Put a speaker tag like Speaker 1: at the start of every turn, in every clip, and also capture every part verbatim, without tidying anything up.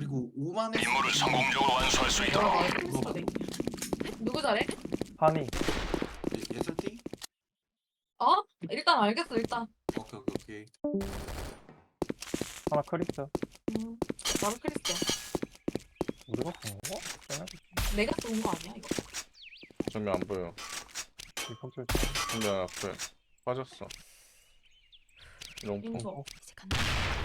Speaker 1: 그리고 오만 에
Speaker 2: 임무를 성공적으로 완수할 수 있도록.
Speaker 3: 와, 크리스터 네. 누구 잘해?
Speaker 4: 한이.
Speaker 1: 예설티?
Speaker 3: 어? 일단 알겠어, 일단.
Speaker 1: 오케이 오케이 오케이.
Speaker 4: 하나 크리스.
Speaker 3: 음, 나도 크리스야.
Speaker 4: 우리가 쏜 거? 쟤네?
Speaker 3: 내가 쏜 거 아니야, 이거?
Speaker 5: 정면 안 보여.
Speaker 4: 이폭줄.
Speaker 5: 정면 앞에 빠졌어. 롱포.
Speaker 3: 인소.
Speaker 6: 이제 간다.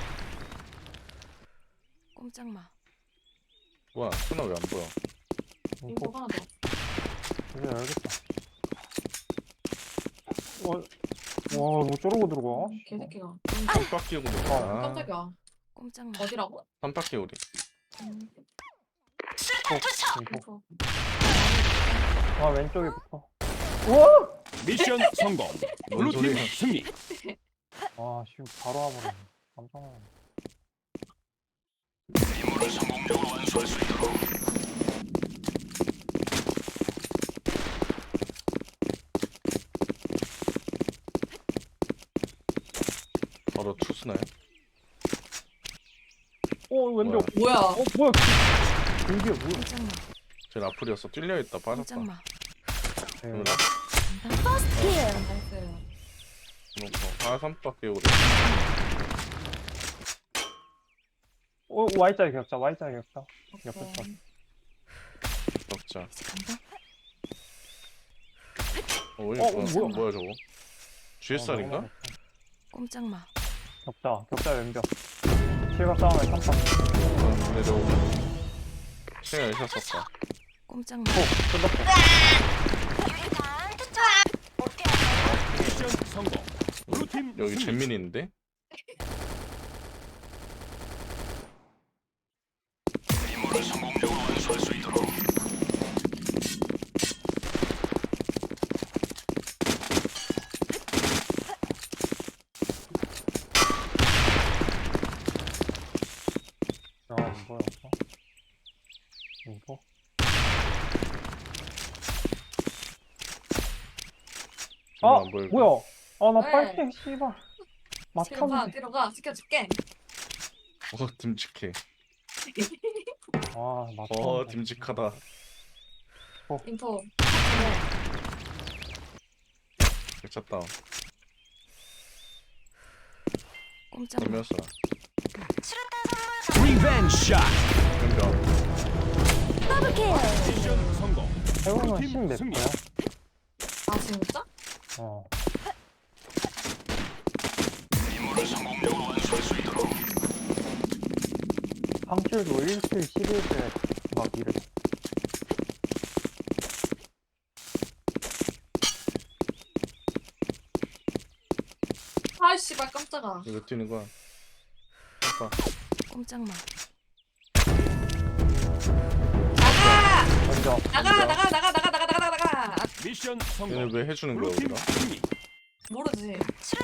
Speaker 6: 꼼짝 마.
Speaker 5: 뭐야? 스나 왜 안 보여?
Speaker 3: 인소
Speaker 4: 이폭.
Speaker 3: 하나 더.
Speaker 4: 이제 알겠다. 와, 와, 뭐 저러고 들어가?
Speaker 3: 개새끼가.
Speaker 5: 삼바퀴 우리.
Speaker 4: 아,
Speaker 5: 아,
Speaker 3: 깜짝이야.
Speaker 6: 꼼짝 마.
Speaker 3: 어디라고?
Speaker 5: 삼바퀴 우리.
Speaker 3: 음,
Speaker 4: 이폭.
Speaker 3: 인소.
Speaker 4: 아, 왼쪽에 붙어. 우와!
Speaker 7: 미션 성공.
Speaker 5: 뭔
Speaker 7: 블루팀
Speaker 5: 소리야?
Speaker 7: 승리.
Speaker 4: 아, 씨, 바로 와버렸네. 깜짝 놀랐네.
Speaker 2: 임무를 성공적으로 완수할 수 있도록.
Speaker 5: 바로 투스나요?
Speaker 4: 어, 왼쪽.
Speaker 3: 뭐야?
Speaker 4: 어, 뭐야? 이게 뭐야?
Speaker 6: 꼼짝 마.
Speaker 5: 쟤 라플이었어. 찔려 있다 빠졌다.
Speaker 6: 꼼짝 마.
Speaker 4: 네.
Speaker 6: 간다.
Speaker 3: 나이스.
Speaker 5: 롱포. 아 삼바퀴 우리.
Speaker 4: 어, Y자리 격자, Y자리 격자. 옆에 거.
Speaker 3: 오케이.
Speaker 5: 격자.
Speaker 6: 이제 간다.
Speaker 5: 어, 이거
Speaker 4: 어,
Speaker 5: 뭐야?
Speaker 4: 뭐야?
Speaker 5: 뭐야 저거? 지에스알인가?
Speaker 4: 어,
Speaker 6: 꼼짝 마.
Speaker 4: 격자, 격자 왼벽. 실각 싸움에 삼성.
Speaker 5: 근데 저거 시간 있었었다.
Speaker 6: 꼼짝 마.
Speaker 4: 어, 끝났어.
Speaker 7: 미션 성공. 블루팀
Speaker 5: 여기
Speaker 7: 승리.
Speaker 5: 잼민이 있는데?
Speaker 2: 임무를 성공적으로 완수할 수 있도록.
Speaker 4: 야, 안 보였어? 이거? 아,
Speaker 5: 정면 안 보이고.
Speaker 4: 뭐야? 아, 나
Speaker 3: 왜?
Speaker 4: 빨갱, 씨발.
Speaker 3: 뒤로 가,
Speaker 4: 막타는데.
Speaker 3: 뒤로 가. 시켜줄게.
Speaker 5: 어 듬직해.
Speaker 4: 아, 막타.
Speaker 5: 어 듬직하다.
Speaker 3: 인포.
Speaker 5: 미쳤다.
Speaker 6: 꼼짝 마.
Speaker 5: 몇이야?
Speaker 7: 리벤지 샷.
Speaker 5: 왼벽.
Speaker 7: 미션 성공.
Speaker 4: 해보면
Speaker 7: 블루팀
Speaker 4: 십 몇
Speaker 7: 승리.
Speaker 4: 개야?
Speaker 3: 아, 진짜?
Speaker 4: 어.
Speaker 2: 임무를 성공적으로 완수할 수 있도록.
Speaker 4: 삼킬도 일 킬 십일 킬 막 이래.
Speaker 3: 아, 씨발, 깜짝아.
Speaker 5: 이거 뛰는 거야. 오빠.
Speaker 6: 꼼짝 마.
Speaker 3: 나가!
Speaker 4: 먼저.
Speaker 3: 나가! 나가! 나가! 나가! 나가! 나가! 나가! 나가!
Speaker 7: 미션
Speaker 5: 얘네
Speaker 7: 성공.
Speaker 5: 왜 해주는 거야
Speaker 7: 블루팀
Speaker 5: 우리가?
Speaker 7: 승리.
Speaker 3: 모르지.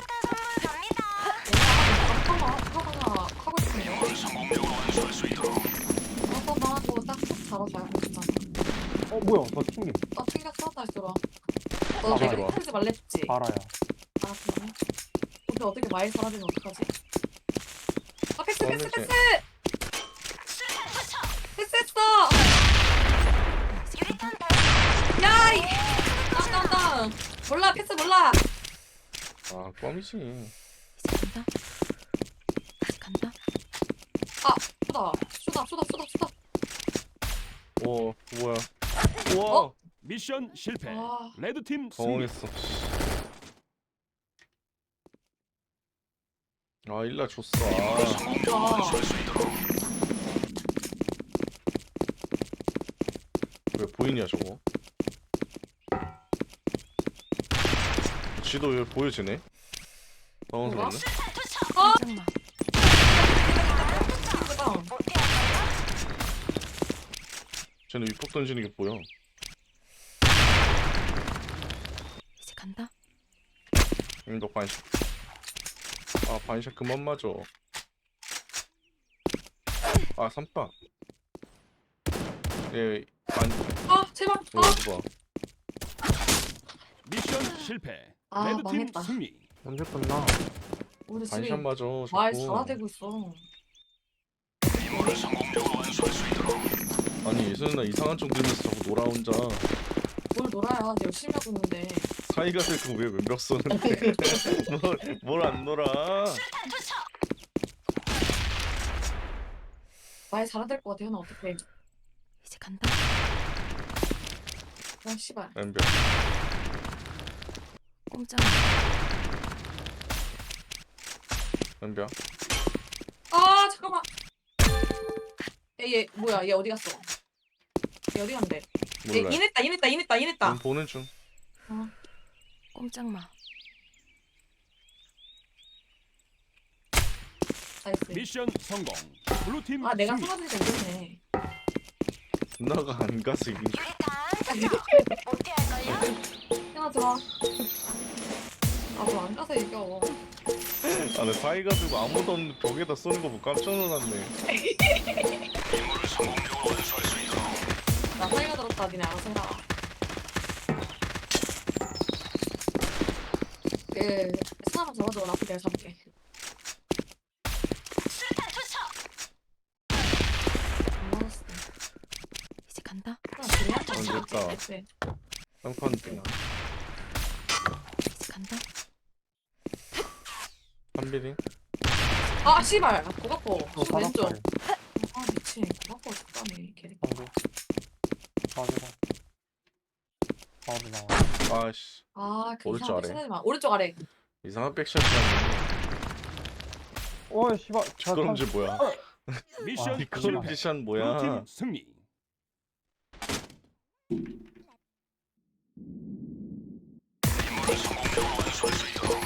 Speaker 3: 하다가 하고 싶은 거.
Speaker 2: 임무를 성공적으로 완수할 수 있도록.
Speaker 3: 한번만 하고 딱딱 잡아줘야 괜찮아.
Speaker 4: 어, 뭐야? 너 튕김.
Speaker 3: 나 튕겼어? 다시 들어와.
Speaker 4: 아,
Speaker 3: 너 내가
Speaker 5: 들어와.
Speaker 3: 튕기지 말랬지?
Speaker 4: 바라야.
Speaker 3: 아, 그래? 근데 어떻게 마일 사라지면 어떡하지? 아, 패스, 패스,
Speaker 5: 원래
Speaker 3: 패스!
Speaker 5: 제-
Speaker 3: 패스했어! 야! 이! 다운, 다운, 다운! 몰라, 패스 몰라!
Speaker 5: 아 껌이지.
Speaker 6: 이제 간다. 이제 간다.
Speaker 3: 아, 쏘다. 쏘다, 쏘다, 쏘다, 쏘다.
Speaker 5: 오 뭐야? 우와.
Speaker 3: 어?
Speaker 7: 미션 실패.
Speaker 3: 와.
Speaker 7: 레드팀 승리.
Speaker 5: 당황했어. 아 일라 줬어. 아.
Speaker 2: 성공적으로 완수할 수 있도록.
Speaker 5: 왜 보이냐 저거? 지도 왜 보여지네? 당황스럽네.
Speaker 6: 꼼짝 마.
Speaker 3: 다운.
Speaker 5: 쟤는 위폭 던지는 게 보여.
Speaker 6: 이제 간다.
Speaker 5: 응, 너 반샷. 아 반샷 그만 맞아. 아 삼박. 얘 반.
Speaker 3: 아, 제발.
Speaker 5: 이거
Speaker 3: 아,
Speaker 5: 봐.
Speaker 7: 미션 실패.
Speaker 3: 아,
Speaker 7: 레드팀
Speaker 3: 망했다.
Speaker 7: 승리.
Speaker 4: 언제 끝나?
Speaker 3: 우리 집이
Speaker 5: 반샷 맞아.
Speaker 3: 말
Speaker 5: 자꾸.
Speaker 3: 잘아대고 있어.
Speaker 2: 임무를 성공적으로 완수할 수 있도록.
Speaker 5: 아니 예전에 이상한 쪽 들면서 자꾸 놀아 혼자.
Speaker 3: 뭘 놀아야 내 열심히 하고 있는데.
Speaker 5: 사이가 들고 왜 왼벽 쏘는데? 뭘 안 놀아?
Speaker 3: 말 잘해야 될 것 같아. 현아 어떡해.
Speaker 6: 이제 간다.
Speaker 3: 아 씨발.
Speaker 5: 왼벽.
Speaker 6: 꼼짝마.
Speaker 5: 왼벽.
Speaker 3: 아 잠깐만. 얘, 얘 뭐야? 얘 어디 갔어? 얘 어디 간대? 얘
Speaker 5: 몰라.
Speaker 3: 인했다 인했다 인했다 인했다.
Speaker 5: 넌 보는 중.
Speaker 6: 꼼짝마.
Speaker 3: 나이스.
Speaker 7: 미션 성공. 블루팀
Speaker 3: 아 내가
Speaker 7: 승리.
Speaker 3: 사라지니까 이겼네.
Speaker 5: 누나가 안 가서 이긴.
Speaker 3: 현아 들어와. 아너 안 가서 이겨.
Speaker 5: 아나 사이가 들고 아무도 없는 벽에다 쏘는 거 보고 깜짝 놀랐네.
Speaker 2: 임무를 성공적으로 완수할 수 있도록.
Speaker 3: 나 사이가 들었다. 니네 알아서 해라. 그 사람 잡아줘. 나 내가 잡을게. 안 맞았어.
Speaker 6: 이제 간다.
Speaker 3: 하나 둘이 한
Speaker 5: 안
Speaker 3: 번.
Speaker 5: 됐다.
Speaker 3: 네.
Speaker 5: 쌍판 등.
Speaker 6: 이제 간다.
Speaker 5: 한비링.
Speaker 3: 아 씨발. 고가포.
Speaker 4: 또
Speaker 3: 왼쪽.
Speaker 4: 사각다리.
Speaker 3: 아 미친. 고가포 죽다네. 개리.
Speaker 4: 방금. 가지고. 가지 나와.
Speaker 5: 아씨
Speaker 3: 아그
Speaker 5: 오른쪽
Speaker 3: 이상한
Speaker 5: 아래.
Speaker 3: 백 하지 마. 오른쪽 아래.
Speaker 5: 이상한 백샷이라니.
Speaker 4: 어이 씨발.
Speaker 5: 뒷걸음질 뭐야?
Speaker 7: 미션
Speaker 4: 아,
Speaker 5: 뒷걸음
Speaker 7: 실패.
Speaker 5: 샷 뭐야?
Speaker 7: 블루팀 승리.
Speaker 2: 임무를 성공적으로 완수할 수 있도록.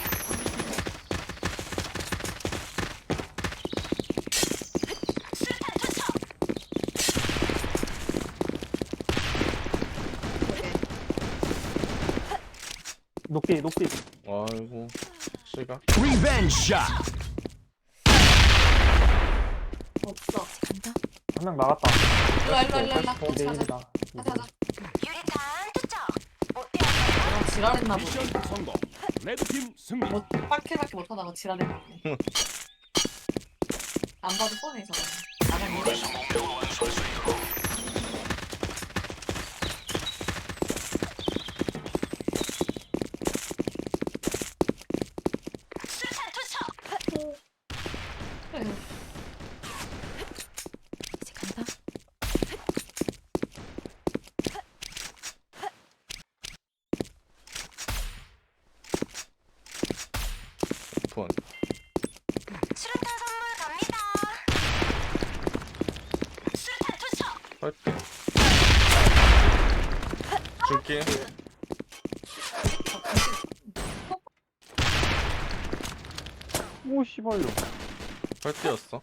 Speaker 4: 녹디 녹디.
Speaker 5: 아이고 씨가.
Speaker 7: 리벤지 샷.
Speaker 3: 없어.
Speaker 6: 이제 간다.
Speaker 4: 한 명 나갔다.
Speaker 3: 일로 와, 일로 와, 일로 와, 일로 와.
Speaker 4: 어,
Speaker 3: 같이 가자.
Speaker 4: 내일이다.
Speaker 3: 가자 가자. 아 지랄했나 보네.
Speaker 7: 미션 성공. 레드팀 승리.
Speaker 3: 뭐 빡해밖에 못하다가 지랄했나 보네. 안 봐도 뻔해 저거. 나간
Speaker 2: 임무를
Speaker 3: 이래.
Speaker 2: 성공적으로 완수할 수 있도록.
Speaker 3: 그래.
Speaker 6: 이제 간다.
Speaker 5: 폰. 할게. 줄게.
Speaker 4: 오 씨발요.
Speaker 5: 할 때였어.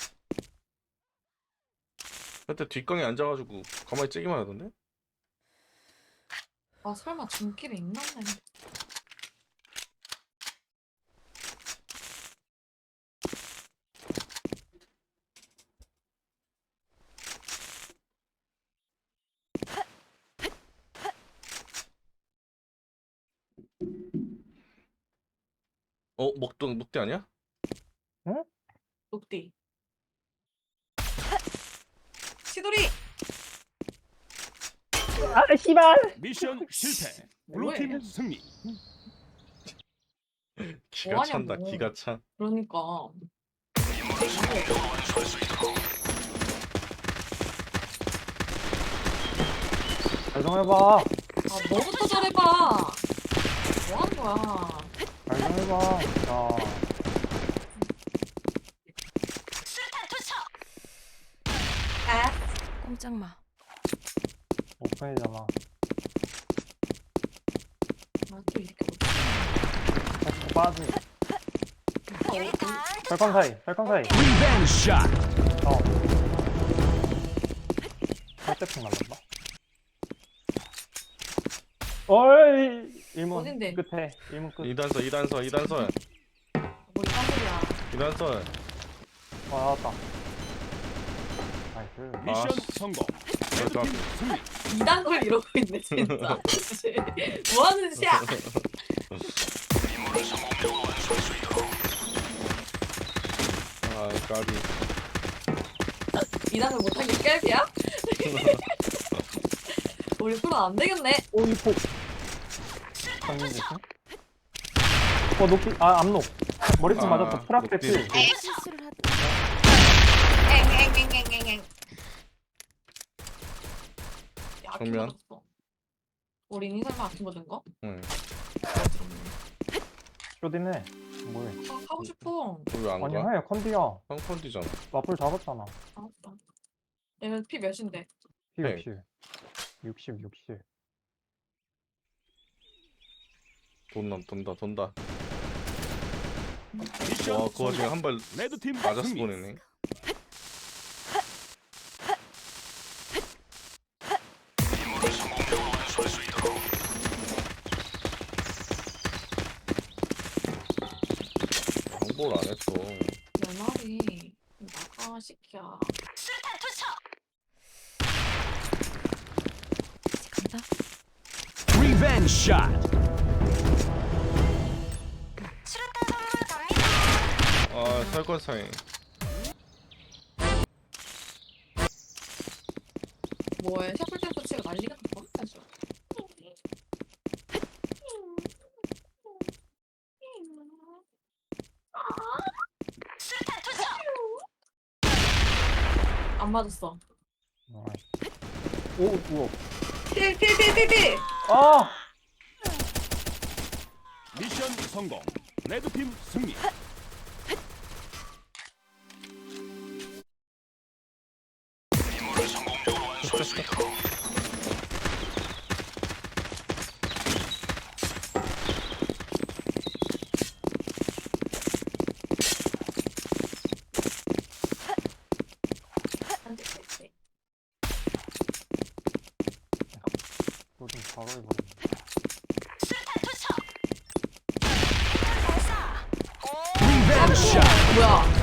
Speaker 5: 그때 뒷강에 앉아가지고 가만히 찌기만 하던데?
Speaker 3: 아 설마 중길에 있나 보네.
Speaker 5: 어? 먹던 먹대 아니야?
Speaker 3: 녹디. 시돌이.
Speaker 4: 아 씨발.
Speaker 7: 미션 실패.
Speaker 3: 뭐해?
Speaker 7: 블루팀 승리.
Speaker 5: 기가
Speaker 3: 뭐하냐고.
Speaker 5: 찬다. 기가 차.
Speaker 3: 그러니까.
Speaker 2: 임무를 성공적으로 완수할 수 있도록.
Speaker 4: 잘 좀 해봐.
Speaker 3: 아 너부터 잘해봐. 뭐 하는 거야?
Speaker 4: 잘 좀 해봐. 자.
Speaker 3: 아
Speaker 6: 꼼짝마.
Speaker 4: 오픈이잖아.
Speaker 3: 아, 또 이렇게 못.
Speaker 4: 어, 빠지.
Speaker 3: 아, 어,
Speaker 4: 설컨 사이. 설컨 사이.
Speaker 7: 리벤지 샷.
Speaker 4: 어. 살짝씩 날랐다. 어이. 일문
Speaker 3: 어딘데?
Speaker 4: 끝에. 일문 끝.
Speaker 5: 이단서 이단서 이단서
Speaker 3: 뭐 이딴 소리야.
Speaker 5: 이단서.
Speaker 4: 아 나왔다. 나이스.
Speaker 7: 미션
Speaker 5: 아,
Speaker 7: 성공.
Speaker 5: 그러니까.
Speaker 7: 레드팀 승리.
Speaker 3: 이딴 걸 이러고 있네 진짜. 뭐 하는 짓이야?
Speaker 2: 임무를 성공적으로 완수할 수 있도록.
Speaker 5: 아 까비.
Speaker 3: 이단을 못하기 깨비야? 우리 프로 안 되겠네.
Speaker 4: 오이 폭. 정리 조심. 어 높이 아 앞록. 머리쯤
Speaker 5: 아,
Speaker 4: 맞았어. 프락대
Speaker 5: 높이,
Speaker 4: 필.
Speaker 5: 높이.
Speaker 6: 실수를 하다.
Speaker 3: 엥엥엥엥엥. 야, 아키
Speaker 5: 정면.
Speaker 3: 맞았어. 우리 니 설마 아키 맞은 거?
Speaker 5: 응.
Speaker 4: 쇼디네. 뭐해?
Speaker 3: 아, 하고 싶어.
Speaker 5: 왜안
Speaker 4: 아니
Speaker 5: 가?
Speaker 4: 해 컨디야.
Speaker 5: 펑컨디잖아.
Speaker 4: 마플 잡았잖아.
Speaker 3: 알았다. 얘는 피 몇인데?
Speaker 4: 피
Speaker 5: 네.
Speaker 4: 육십. 육십 육십.
Speaker 5: 돈다 돈다 돈다.
Speaker 7: 미션
Speaker 5: 와 그거 지금
Speaker 7: 성공.
Speaker 5: 한 발
Speaker 7: 레드팀
Speaker 5: 맞았어
Speaker 7: 승리.
Speaker 5: 보내네.
Speaker 2: 임무를 성공적으로 완수할 수 있도록
Speaker 5: 홍보를 안 했어.
Speaker 3: 내 말이 나가 시키야.
Speaker 6: 이제 간다.
Speaker 7: 리벤지 샷.
Speaker 5: 아 설거사이.
Speaker 3: 뭐해? 셔플 댄스 치가 난리가 났어. 사실. 안 맞았어.
Speaker 4: 오 우와.
Speaker 3: 필필필필필.
Speaker 4: 아.
Speaker 7: 미션 성공. 레드팀 승리.
Speaker 2: 임무를 성공적으로 완수할 수 있도록
Speaker 3: 안 돼, 돼, 돼.
Speaker 4: 너좀 바로 해버렸네.
Speaker 7: 리벤지 샷.
Speaker 3: 뭐야?